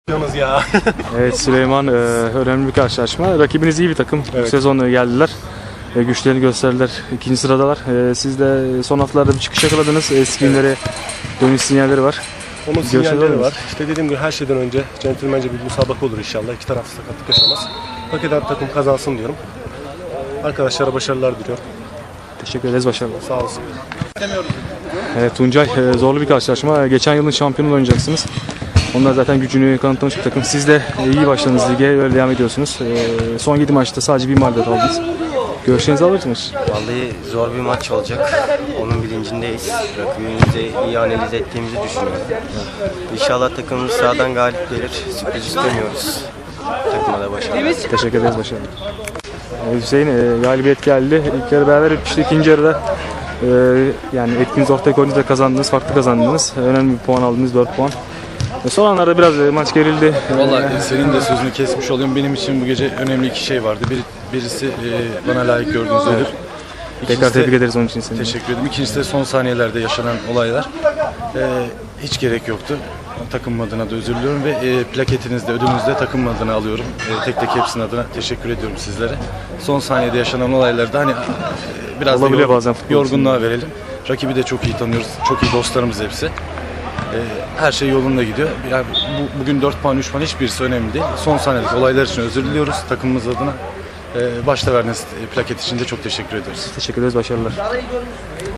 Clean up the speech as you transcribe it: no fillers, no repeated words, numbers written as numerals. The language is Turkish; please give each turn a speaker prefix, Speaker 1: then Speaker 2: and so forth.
Speaker 1: Yalnız ya.
Speaker 2: Evet Süleyman, önemli bir karşılaşma. Rakibiniz iyi bir takım.
Speaker 1: Evet.
Speaker 2: Bu sezon geldiler. Güçlerini gösterdiler. İkinci sıradalar. Siz de son haftalarda bir çıkış yakaladınız. Eski günlere dönüş sinyalleri var.
Speaker 1: Onun
Speaker 2: Görüşebilir
Speaker 1: sinyalleri
Speaker 2: miyiz?
Speaker 1: var. İşte dediğim gibi her şeyden önce centilmence bir müsabaka olur inşallah. İki taraf sakatlık yaşamaz. Hak eden takım kazansın diyorum. Arkadaşlara başarılar diliyorum.
Speaker 2: Teşekkür ederiz. Başarılar.
Speaker 1: Sağ olsun.
Speaker 2: Evet Tuncay, zorlu bir karşılaşma. Geçen yılın şampiyonu oynayacaksınız. Onlar zaten gücünü kanıtlamış bir takım. Siz de iyi başladınız lige, öyle devam ediyorsunuz. Son 7 maçta sadece bir mağlubiyet aldınız. Görüşlerinizi alır mısınız?
Speaker 3: Vallahi zor bir maç olacak. Onun bilincindeyiz. Rakibimizi iyi analiz ettiğimizi düşünüyorum. İnşallah takımımız sahadan galip gelir. Sürpriz istemiyoruz. Takıma da başarılar.
Speaker 2: Teşekkür ederiz. Başarılar. Hüseyin, galibiyet geldi. İlk yarı beraber bitmişti. İkinci yarıda yani etkiniz ortaya koyunca da kazandınız, farklı kazandınız. Önemli bir puan aldınız, 4 puan. Son anlarda biraz maç gerildi.
Speaker 4: Vallahi senin de sözünü kesmiş olayım. Benim için bu gece önemli iki şey vardı. Birisi bana layık gördüğünüz ödül.
Speaker 2: Tekrar tebrik ederiz onun için seni.
Speaker 4: Teşekkür ederim. İkincisi de son saniyelerde yaşanan olaylar. Hiç gerek yoktu. Takım adına da özür diliyorum ve plaketinizde, ödülünüzde takım adına alıyorum. Tek tek hepsinin adına teşekkür ediyorum sizlere. Son saniyede yaşanan olaylarda hani biraz
Speaker 2: Olabiliyor
Speaker 4: da
Speaker 2: bazen futbol
Speaker 4: yorgunluğa verelim. Rakibi de çok iyi tanıyoruz. Çok iyi dostlarımız hepsi. Her şey yolunda gidiyor. Yani bugün 4 puan, 3 puan hiçbirisi önemli değil. Son saniyedeki olaylar için özür diliyoruz takımımız adına. Başta verdiğiniz plaket için de çok teşekkür ediyoruz.
Speaker 2: Teşekkür ederiz. Başarılar.